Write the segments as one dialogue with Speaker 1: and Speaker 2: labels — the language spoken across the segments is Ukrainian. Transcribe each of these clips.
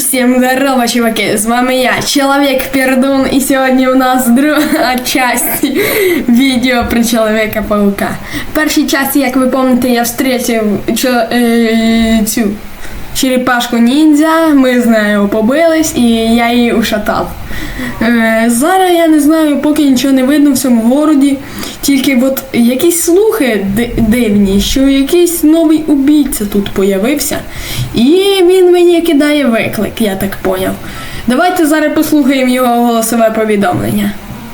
Speaker 1: Всем здорово, чуваки, с вами я, Человек-Пердун, и сегодня у нас друга часть відео про Человека-паука. В першій часті, як ви пам'ятаєте, я встретив цю черепашку ніндзя, ми з нею побились і я її ушатав. Зараз я не знаю, поки нічого не видно в цьому городі, тільки от якісь слухи дивні, що якийсь новий убійця тут появився, і він мені кидає виклик, я так поняв. Давайте зараз послухаємо його голосове повідомлення.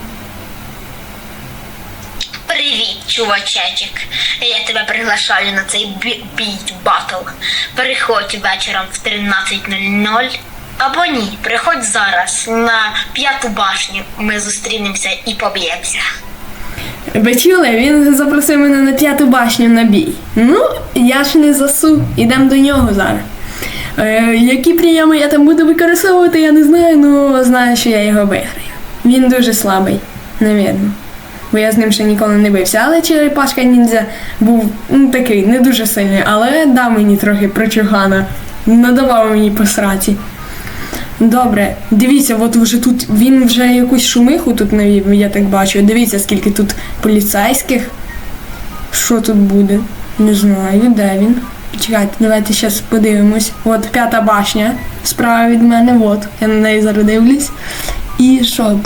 Speaker 2: Привіт, чувачечек. Я тебе приглашаю на цей бійт батл. Переходь вечором в 13:00. Або ні, приходь зараз на 5-ту башню. Ми зустрінемося і поб'ємося.
Speaker 1: Ви чули? Він запросив мене на 5-ту башню на бій. Ну, я ж не засу. Ідемо до нього зараз. Які прийоми я там буду використовувати, я не знаю, але знаю, що я його виграю. Він дуже слабий, навірно. Бо я з ним ще ніколи не бився. Але черепашка ніндзя був такий, не дуже сильний, але дав мені трохи прочугана. Надавав мені по сраці. Добре, дивіться, от вже тут, він вже якусь шумиху тут навів, я так бачу. Дивіться, скільки тут поліцейських. Що тут буде? Не знаю, де він? Чекайте, давайте зараз подивимось. От 5-та башня, справа від мене, от, я на неї зараз дивлюсь. І що,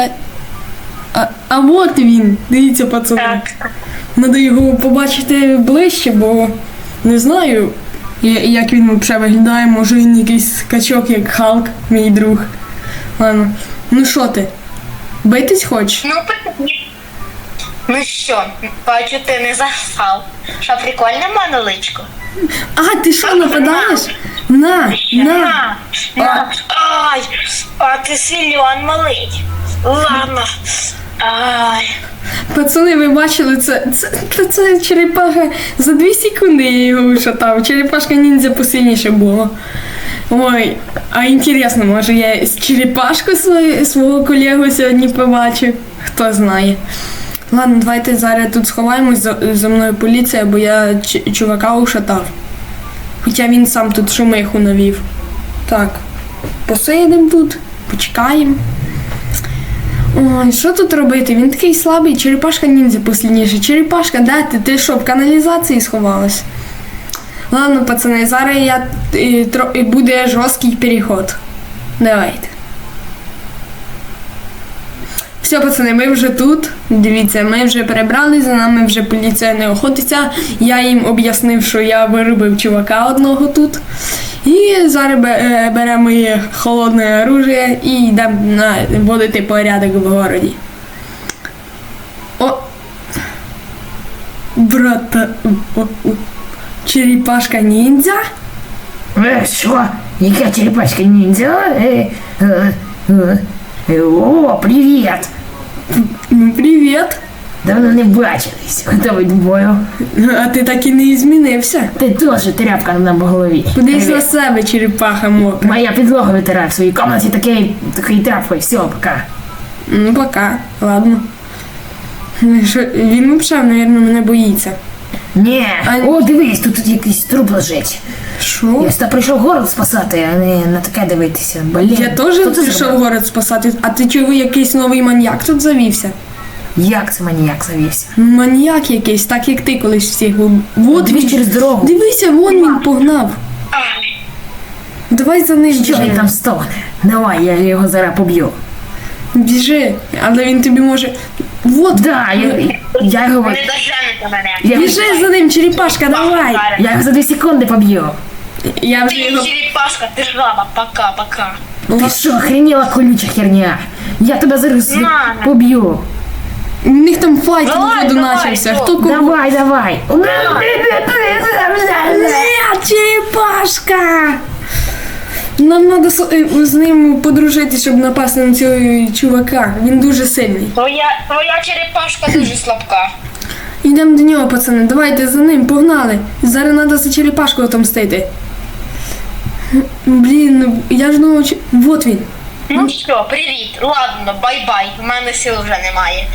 Speaker 1: А от він, дивіться, пацани. Надо його побачити ближче, бо не знаю, як він взагалі виглядає, може він якийсь качок, як Халк, мій друг. Ладно, ну що ти, битись хочеш?
Speaker 2: Ну що, бачу, ти не засав. Що, прикольне моноличко?
Speaker 1: А, ти що, нападаєш? На.
Speaker 2: Ай, а ти сильон малий. Ладно. Ай.
Speaker 1: Пацани, ви бачили, це черепаха, за 2 секунди я його ушатав, черепашка ніндзя посильніше було. Ой, а інтересно, може я з черепашку свого колегу сьогодні побачу, хто знає. Ладно, давайте зараз тут сховаємось, за мною поліція, бо я чувака ушатав. Хоча він сам тут шумиху навів. Так, посидимо тут, почекаємо. Ой, що тут робити? Він такий слабий, черепашка ніндзя послідніше. Черепашка, де ти? Ти що, в каналізації сховалась? Ладно, пацани, зараз буде жорсткий переход. Давайте. Все, пацани, ми вже тут. Дивіться, ми вже перебрали, за нами вже поліція не охотиться. Я їм об'яснив, що я виробив чувака одного тут. І зараз беремо моє холодне оружие і йдемо наводити порядок в городі. О! Брата... Черепашка ніндзя?
Speaker 3: Що? Яка черепашка ніндзя? О, привіт!
Speaker 1: Ну, привіт!
Speaker 3: Давно не бачились. Готовий до бою.
Speaker 1: А ти так і не змінився.
Speaker 3: Ти теж тряпка на голові.
Speaker 1: Подивись на себе, черепаха мокра.
Speaker 3: Моя підлога витирає в своїй кімнаті такою тряпкою. Все, пока.
Speaker 1: Ну, пока. Ладно. Він взагалі, мабуть, мене боїться.
Speaker 3: Ні. О, дивись, тут якийсь труп лежить.
Speaker 1: Що?
Speaker 3: Я сюди прийшов город спасати, а не на таке дивитися. Блін.
Speaker 1: Я теж прийшов город спасати. А ти чого, якийсь новий маньяк тут завівся?
Speaker 3: Як це маніяк завівся?
Speaker 1: Маньяк якийсь, так як ти колись всіх був. Вот
Speaker 3: Дивись
Speaker 1: він.
Speaker 3: через дорогу.
Speaker 1: Дивися, вон він погнав. Давай за ним
Speaker 3: Що він там стогне? Давай, я його зараз поб'ю.
Speaker 1: Біжи, але він тобі може... Вот.
Speaker 3: Да, я його...
Speaker 2: Не доженете мене.
Speaker 1: Біжи за ним, черепашка, давай.
Speaker 3: Я його за 2 секунди поб'ю.
Speaker 1: Я вже
Speaker 2: Ти
Speaker 1: його...
Speaker 2: черепашка, ти жаба, пока.
Speaker 3: Ти що, охренела колюча херня? Я тебе зараз поб'ю.
Speaker 1: У них там файт
Speaker 2: Давай,
Speaker 1: воду
Speaker 2: давай,
Speaker 1: начався.
Speaker 2: що?
Speaker 1: Хто кого?
Speaker 3: Давай.
Speaker 1: Черепашка! Нам треба з ним подружити, щоб напасти на цього чувака. Він дуже сильний.
Speaker 2: Твоя черепашка дуже слабка.
Speaker 1: Йдемо до нього, пацани. Давайте за ним, погнали. Зараз треба за черепашку отомстити. Блін, ну я ж думав, вот він.
Speaker 2: Ну що, привіт, ладно, бай-бай, в мене сил вже немає.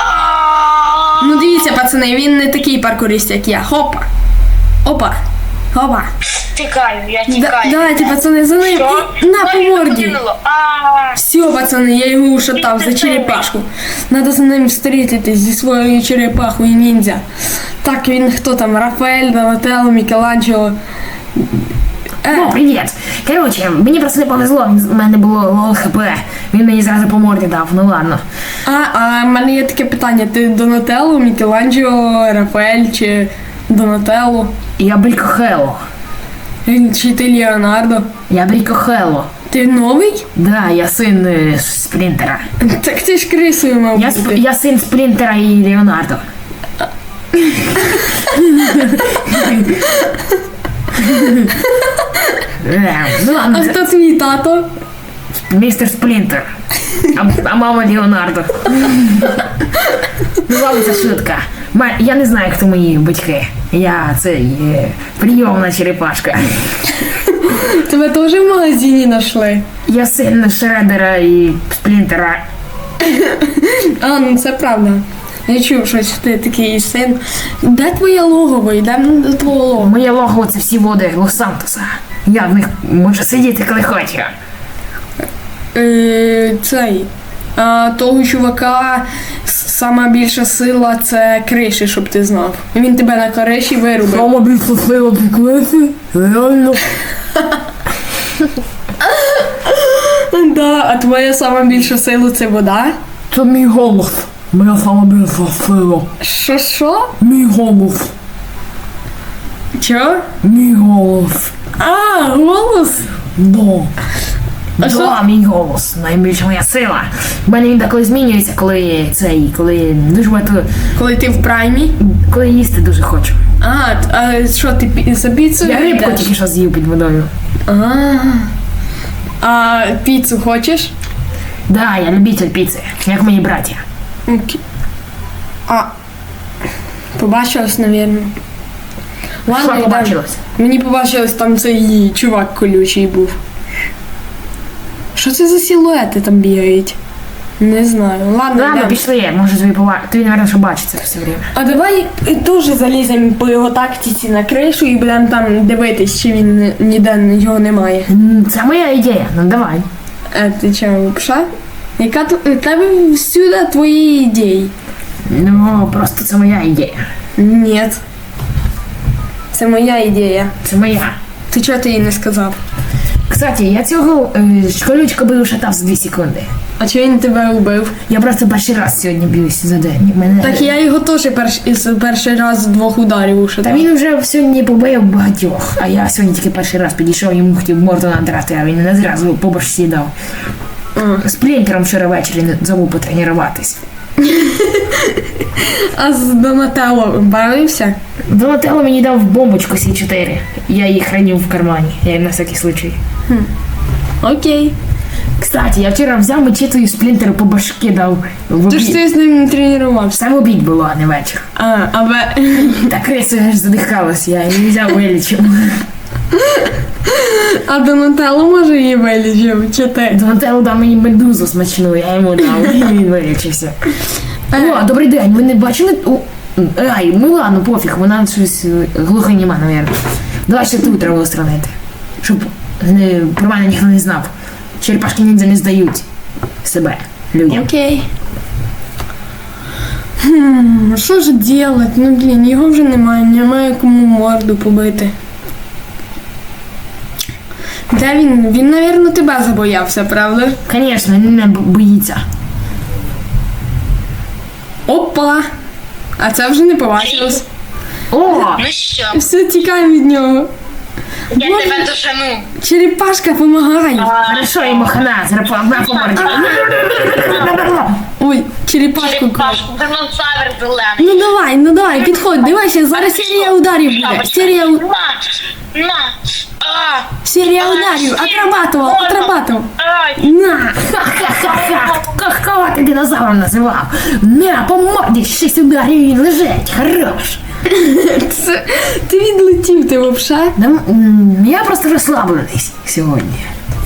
Speaker 1: Ну дивіться, пацани, він не такий паркурист, як я. Хопа. Опа. Опа.
Speaker 2: Тікаю, я тікаю.
Speaker 1: Давайте, пацани, за ним.
Speaker 2: Що?
Speaker 1: І на по
Speaker 2: Ой,
Speaker 1: морді.
Speaker 2: покинуло. А,
Speaker 1: Все, пацани, я його ушатав за черепашку. Надо за ним встретитись зі своєю черепахою ніндзя. Так, він хто там? Рафаель, Донателло, Мікеланджело.
Speaker 3: О, привіт! Коротше, мені просто не повезло, в мене було лол хп. Він мені зразу по морді дав, ну ладно.
Speaker 1: А в мене є таке питання. Ти Донателло, Мікеланджело, Рафаель чи Донателло?
Speaker 3: Я Брікохело.
Speaker 1: Чи ти Леонардо?
Speaker 3: Я Брікохело.
Speaker 1: Ти новий?
Speaker 3: Да, я син спринтера.
Speaker 1: Так ти ж крисою мав бути.
Speaker 3: Я син спринтера і Леонардо. Ну ладно,
Speaker 1: А хто твій тато?
Speaker 3: містер Сплінтер. А мама Леонардо. Ну ладно, це шутка. Я не знаю, хто мої батьки. Я прийомна черепашка.
Speaker 1: Тебе теж в магазині знайшли?
Speaker 3: Я син Шредера і Сплінтера.
Speaker 1: А, ну це правда. Я чув, що ти такий син. Де твоє логово? Йдемо до твого логова.
Speaker 3: Моє логово це всі води Лос-Сантоса. Я в них можу сидіти, коли хочу.
Speaker 1: Цей. Того чувака сама більша сила це криші, щоб ти знав. Він тебе на криші вирубив.
Speaker 3: Сама більша сила приклети? Реально?
Speaker 1: Да, а твоя сама більша сила це вода?
Speaker 3: Це мій голос. Моя сама більша сила.
Speaker 1: Що?
Speaker 3: Мій голос.
Speaker 1: Чо?
Speaker 3: Мій голос.
Speaker 1: А, голос?
Speaker 3: Да.
Speaker 1: А що?
Speaker 3: Да, мій голос. Найбільша моя сила. У мене він деколи змінюється, коли дуже багато,
Speaker 1: Коли ти в праймі?
Speaker 3: коли їсти дуже хочу.
Speaker 1: А що ти за піцу?
Speaker 3: Я рибку
Speaker 1: йдеш?
Speaker 3: тільки що з'їв під водою.
Speaker 1: А піцу хочеш?
Speaker 3: Да, я любитель піци, як мої браття.
Speaker 1: Окей. Побачилось, напевно. Ладно,
Speaker 3: Що
Speaker 1: йдемо.
Speaker 3: побачилось?
Speaker 1: Мені побачилось, там цей чувак колючий був. Що це за силуети там бігають? Не знаю. Ладно,
Speaker 3: Ладно,
Speaker 1: йдемо.
Speaker 3: пішли, може тобі, наверное, що бачиться все время.
Speaker 1: А давай теж заліземо по його тактиці на кришу і будемо там дивитись, чи він ніде його немає.
Speaker 3: Це моя ідея, ну давай.
Speaker 1: Ти чого, пша? Яка тебе всюди твої ідеї?
Speaker 3: Ну, просто це моя ідея.
Speaker 1: Ні. Це моя ідея.
Speaker 3: Це моя.
Speaker 1: Ти чого ти їй не сказав?
Speaker 3: Кстати, я цього колючка би ушатав за 2 секунди.
Speaker 1: А чого він тебе убив?
Speaker 3: Я просто перший раз сьогодні б'юся за день. Мене...
Speaker 1: Так я його теж перший раз з 2 ударів
Speaker 3: Та
Speaker 1: ушатав.
Speaker 3: він вже сьогодні побив багатьох, а я сьогодні тільки перший раз підійшов, йому хотів морду надрати, а він не зразу по башці дав. З Сплінтером вчора ввечері забув потренуватись.
Speaker 1: А з Донателло бавився?
Speaker 3: Донателло мені дав бомбочку С4. Я її хранив в кармані, я на всякий случай.
Speaker 1: Окей.
Speaker 3: Кстати, я вчора взяв мечету і Сплінтеру по башки дав в
Speaker 1: Ти ж
Speaker 3: обід.
Speaker 1: ти з ним не тренувався.
Speaker 3: Сам обід було, а не вечір.
Speaker 1: Та
Speaker 3: крису аж задихалась, я її взяв вилічив.
Speaker 1: А Донателло може її вилічив, чи ти?
Speaker 3: Донателло дав мені медузу смачну, я йому дав, і він вилічився. О, добрий день, ви не бачили? Ай, ну ладно, пофіг, вона щось глухоніма, навірно. Давай ще тут треба устранити, щоб про мене ніхто не знав. Черепашки ніндзя не здають себе людям.
Speaker 1: Окей. Що ж делать? Ну блін, його вже немає кому морду побити. Де він? Він, напевно, тебе забоявся, правда?
Speaker 3: Звісно, він мене боїться.
Speaker 1: Опа! А це вже не побачилось.
Speaker 3: О!
Speaker 2: Ну що,
Speaker 1: Все, тікаємо від нього.
Speaker 2: я тебе дожену.
Speaker 1: Черепашка, помагай.
Speaker 3: Хорошо, йому хана, зараз на поморді.
Speaker 1: Ой, черепашку кров.
Speaker 2: Черепашку, динозавр зелений.
Speaker 1: Ну давай, підходь, дивайся, зараз серія ударів буде. Серія ударів, отрабатував.
Speaker 2: Ай,
Speaker 1: На!
Speaker 3: Ха-ха-ха! Кого ти динозавром називав? На, по морді 6 ударів і він лежить, хорош.
Speaker 1: Ти відлетів, ти вовша?
Speaker 3: Я просто розслаблений сьогодні.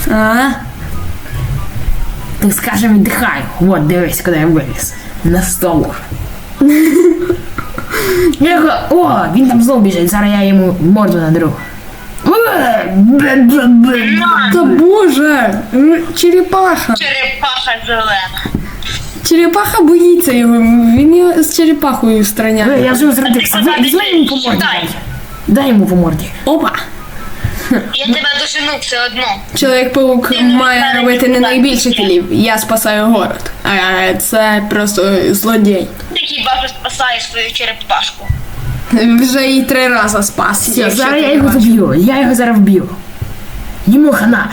Speaker 3: Так скажем, віддихаю. Вот, дивись, куди я виліз. На столу. О, він там знову біжить, зараз я йому морду надру.
Speaker 1: Та боже, черепаха.
Speaker 2: Черепаха зелена.
Speaker 1: Черепаха боїться його, він його з черепахою страняє.
Speaker 3: Я вже розрядився. Візьми йому по морді. Дай йому по морді.
Speaker 1: Опа!
Speaker 2: Я тебе дожену все одно.
Speaker 1: Чоловік-паук має робити не найбільше кілів. Я спасаю город. А це просто злодій.
Speaker 2: Ти хіба що спасаєш свою черепашку.
Speaker 1: Вже її 3 рази спас.
Speaker 3: Все,
Speaker 1: якщо
Speaker 3: зараз
Speaker 1: ти
Speaker 3: я його
Speaker 1: бачиш.
Speaker 3: доб'ю. Я його зараз вб'ю. Йому хана.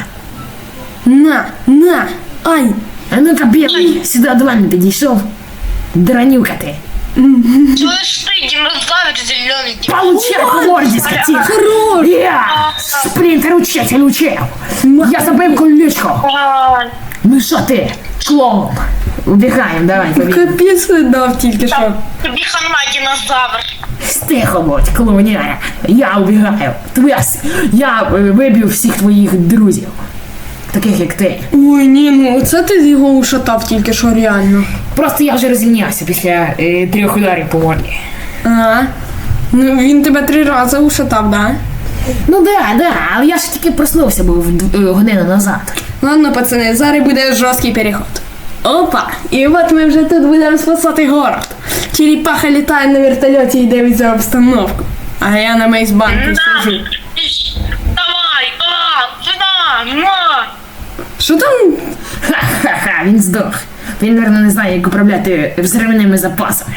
Speaker 1: На! Ай!
Speaker 3: А ну-ка, білий, сюди до мене підійшов. Дранюка ти.
Speaker 2: Чуєш ти, динозавр зелений.
Speaker 3: Получай по морді, скотина.
Speaker 1: Хорош!
Speaker 3: Я спринтер учитель учив. Я забив колючку. Ну що ти, клоун? Убігаємо, давай, побіг.
Speaker 1: Капець дав тільки що.
Speaker 2: Тобі хана, динозавр.
Speaker 3: Тихо будь, клоуняра. Я убігаю. Я виб'ю всіх твоїх друзів. Таких як ти.
Speaker 1: Ой, ні, ну це ти його ушатав тільки що реально.
Speaker 3: Просто я вже розімнявся після 3 ударів по морді.
Speaker 1: А? Ну він тебе 3 рази ушатав, да?
Speaker 3: Ну да, але я ж тільки проснувся був годину назад.
Speaker 1: Ладно, пацани, зараз буде жорсткий переход. Опа! І от ми вже тут будемо спасати город. Черепаха літає на вертольоті і дивиться обстановку. А я на мейсбанку сижу.
Speaker 2: Давай, сюди, на.
Speaker 1: Що там?
Speaker 3: Ха-ха-ха, він здох. Він, мабуть, не знає, як управляти взривними запасами.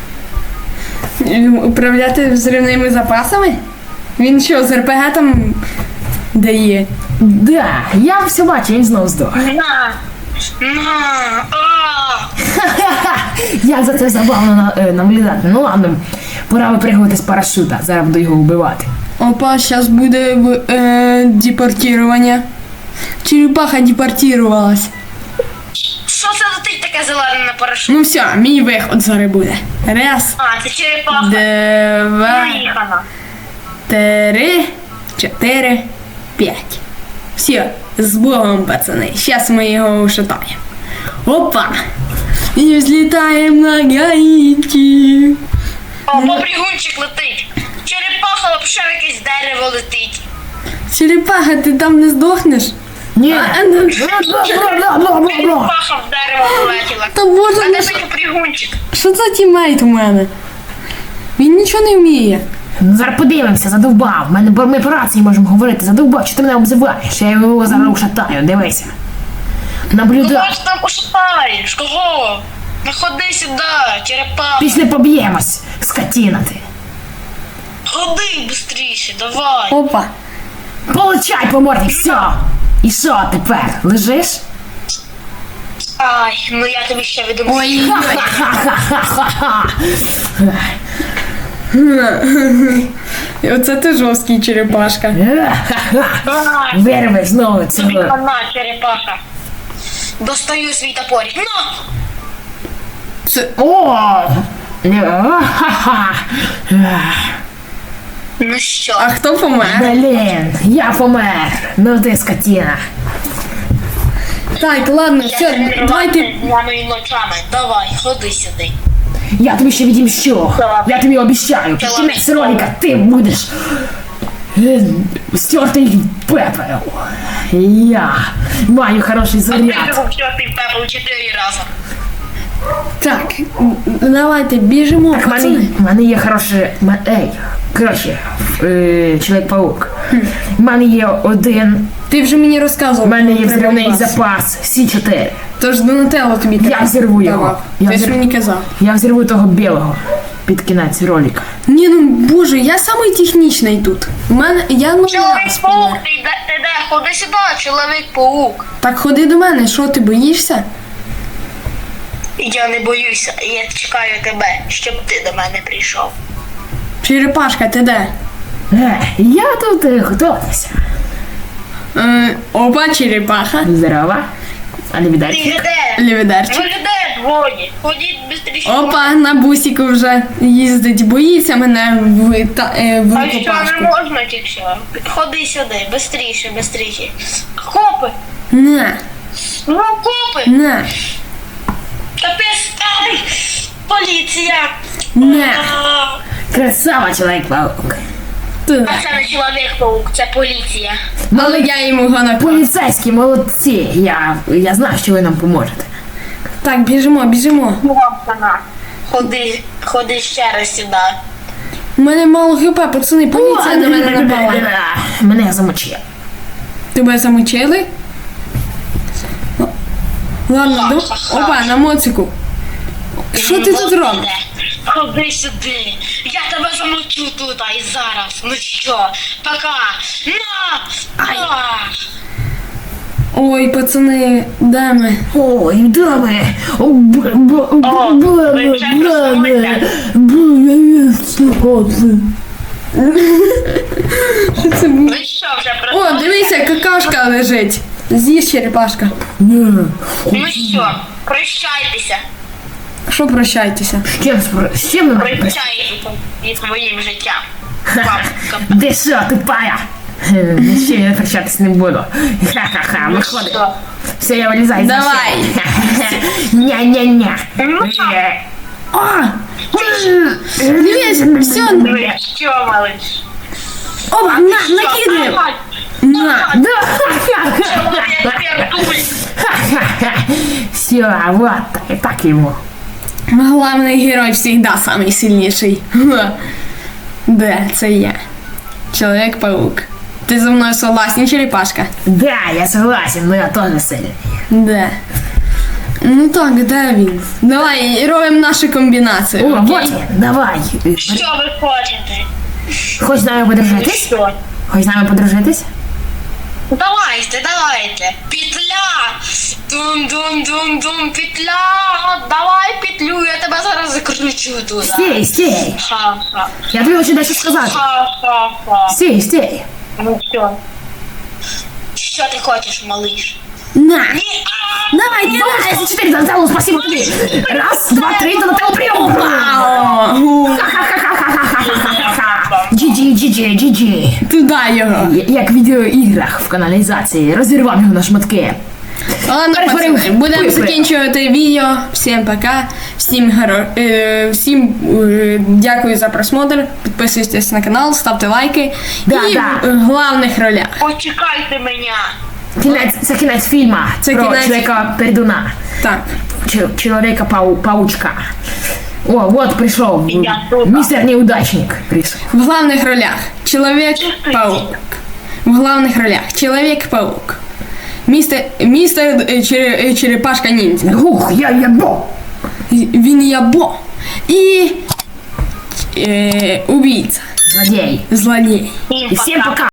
Speaker 1: Управляти взривними запасами? Він що, з РПГ там дає?
Speaker 3: Да, я все бачу, він знов здох.
Speaker 2: На.
Speaker 3: Ха-ха-ха, як за це забавно наблюдати. Ну ладно, пора випригувати з парашута, зараз буду його вбивати.
Speaker 1: Опа, зараз буде депортування. Черепаха депортувалась.
Speaker 2: Що це летить таке зелене на парашут?
Speaker 1: Ну все, мій виход зараз буде. Раз,
Speaker 2: Це черепаха.
Speaker 1: 2,
Speaker 2: Поїхала.
Speaker 1: 3, 4, 5. Все, з Богом, пацани. Зараз ми його ушатаємо. Опа! І взлітаємо на Гаїті.
Speaker 2: О, побрігунчик летить. Черепаха взагалі в якесь дерево летить.
Speaker 1: Черепаха, ти там не здохнеш?
Speaker 3: Ні.
Speaker 1: ну,
Speaker 2: Черепаха в дерево полетіла.
Speaker 1: Та боже,
Speaker 2: А
Speaker 1: ну
Speaker 2: де
Speaker 1: що-
Speaker 2: той побрігунчик?
Speaker 1: що за тімейт у мене? Він нічого не вміє.
Speaker 3: Ну, зараз подивимося, задовбав. Ми по рації можемо говорити. Задовбав, що ти мене обзиваєш? Я його зараз ушатаю, дивися.
Speaker 2: Ну
Speaker 3: Наблюдай.
Speaker 2: ось там ушатаєш, кого? Ну ходи сюди, черепаха.
Speaker 3: Після поб'ємось, скотіна ти.
Speaker 2: Ходи швидше, давай.
Speaker 1: Опа.
Speaker 3: Получай по морді, все. І що тепер? Лежиш?
Speaker 2: Ай, ну я тобі ще відомлю.
Speaker 1: Ой,
Speaker 3: Ха-ха-ха-ха-ха.
Speaker 1: оце ти жорсткий черепашка.
Speaker 3: Ха-ха. Вирви знову
Speaker 2: Тобі
Speaker 3: цього.
Speaker 2: хана, черепаха. Достаю свій топорик. Ну!
Speaker 1: Це...
Speaker 3: О! Ха-ха.
Speaker 2: Ну що?
Speaker 1: А хто помер?
Speaker 3: Блін, я помер. Ну ти скотіна.
Speaker 1: Так, ладно, все, давайте.
Speaker 2: Днями і ночами. Давай, ходи сюди.
Speaker 3: Я тобі ще відімщу. Я тобі обіцяю. Під кінець ролика ти будеш стертий пепел. Я маю хороший
Speaker 2: А ти
Speaker 3: заряд.
Speaker 2: був чортий пепел 4 рази.
Speaker 1: Так, давайте біжимо,
Speaker 3: Так,
Speaker 1: пацани.
Speaker 3: в мене є хороший... Ей, коротше, Чоловік-паук. В мене є один...
Speaker 1: Ти вже мені розказував.
Speaker 3: В мене є
Speaker 1: про
Speaker 3: взривний
Speaker 1: запас.
Speaker 3: запас Сі-4.
Speaker 1: Тож Донателло тобі
Speaker 3: Я взірву його.
Speaker 1: давав.
Speaker 3: Я
Speaker 1: Ти ж
Speaker 3: взірву.
Speaker 1: мені казав.
Speaker 3: Я взірву того білого під кінець ролика.
Speaker 1: Ні, ну боже, я самий технічний тут. У мене я ну раз
Speaker 2: Чоловік-паук,
Speaker 1: помер.
Speaker 2: ти де? Ходи сюди, чоловік-паук.
Speaker 1: Так ходи до мене, що ти боїшся?
Speaker 2: Я не боюся, я чекаю тебе, щоб ти до мене прийшов.
Speaker 1: Черепашка, ти де?
Speaker 3: Я тут готуюся.
Speaker 1: Опа, черепаха.
Speaker 3: Здорово. А не
Speaker 2: Ти
Speaker 3: віддайте.
Speaker 2: де?
Speaker 1: Лівідарчик.
Speaker 2: Ви де двоє? Ходіть швидше.
Speaker 1: Опа, на бусіку вже їздить. Боїться мене в
Speaker 2: А що, не
Speaker 1: рукопашку.
Speaker 2: можна чи що? Ходи сюди, швидше. Копи!
Speaker 1: На,
Speaker 2: Ну, копи!
Speaker 1: на,
Speaker 2: Капець! Ай! Поліція!
Speaker 1: на.
Speaker 2: А,
Speaker 3: Красава, Чоловік-паук.
Speaker 1: Туди.
Speaker 2: А це не Чоловік-паук, це поліція.
Speaker 1: Але я йому його наклав.
Speaker 3: Поліцейські, молодці. Я знаю, що ви нам поможете.
Speaker 1: Так, біжимо.
Speaker 2: Вона. Ходи ще раз сюди.
Speaker 1: У мене мало хп, пацани, поліція на мене напала.
Speaker 3: Мене замочили.
Speaker 1: Тебе замочили? Ладно, опа, на моцику. Що ти тут робиш?
Speaker 2: Ходи сюди. Я тебе замочу тут і зараз. Ну що, пока. На!
Speaker 1: Ой, пацани, де ми?
Speaker 3: Ой, да ми.
Speaker 1: Що це було?
Speaker 2: Ну що, вже
Speaker 1: О, дивися, какашка лежить. З'їж черепашка.
Speaker 2: Ну що, прощайтеся.
Speaker 1: Що прощайтеся?
Speaker 3: З чим ми
Speaker 2: Прощайтеся зі своїм життям. Бабка.
Speaker 3: Де що, тупая? Ще я прощатись не буду. Ха-ха-ха, виходи.
Speaker 2: Що?
Speaker 3: Все, я вилізаю.
Speaker 1: Давай.
Speaker 3: Ня-ня-ня.
Speaker 1: О! Дивись, все.
Speaker 2: Ну і що, малиш?
Speaker 1: Опа, накидаємо. На.
Speaker 3: Да. Все, вот, так ему.
Speaker 1: Главний герой всегда самый сильнейший. Да, це я. Чоловік-паук. Ти зі мною согласен, черепашка?
Speaker 3: Да, я согласен, но я тоже сильный.
Speaker 1: Да. Ну так, де він? Давай робимо нашу комбінацію.
Speaker 3: О,
Speaker 1: окей?
Speaker 3: вот він, давай.
Speaker 2: Що ви хочете?
Speaker 3: Хочеш з нами подружитись?
Speaker 2: Що?
Speaker 3: Хочеш з нами подружитись?
Speaker 2: Давайте. Петля! Дум-дум-дум-дум, петля! Давай петлю, я тебе зараз закручу туди.
Speaker 3: Стій.
Speaker 2: Ха-ха.
Speaker 3: Я тобі хочу дещо сказати.
Speaker 2: Ха-ха-ха.
Speaker 3: Стій.
Speaker 2: Ну що? Що ти хочеш, малиш?
Speaker 1: На!
Speaker 2: Ні,
Speaker 1: Давай,
Speaker 3: Давай,
Speaker 1: кидай!
Speaker 3: за 4 залетало, спасибо тобі. Раз, два, три, до тебе прийом. GG.
Speaker 1: Туди його.
Speaker 3: Як в відеоіграх в каналізації. Розірвав його на шматки.
Speaker 1: Ладно,
Speaker 3: Перетворив
Speaker 1: пацани, будемо
Speaker 3: пипи.
Speaker 1: закінчувати відео. Всім пока. Всім дякую за просмотр. Підписуйтесь на канал, ставте лайки.
Speaker 3: Да,
Speaker 1: І
Speaker 3: да.
Speaker 1: в головних ролях.
Speaker 2: почекайте мене.
Speaker 3: Це кінець фільма
Speaker 1: Це
Speaker 3: про
Speaker 1: кінець.
Speaker 3: чоловіка пердуна.
Speaker 1: Так.
Speaker 3: Чоловіка паучка. О, вот прийшов.
Speaker 2: Я тут.
Speaker 3: Містер Неудачник прийшов.
Speaker 1: В главных ролях Человек-паук. В главных ролях Человек-паук. Мистер Черепашка-ниндзя.
Speaker 3: Ух, я ябо.
Speaker 1: Він Ябо. І убийца.
Speaker 3: Злодей.
Speaker 1: Злодей.
Speaker 3: І всім пока.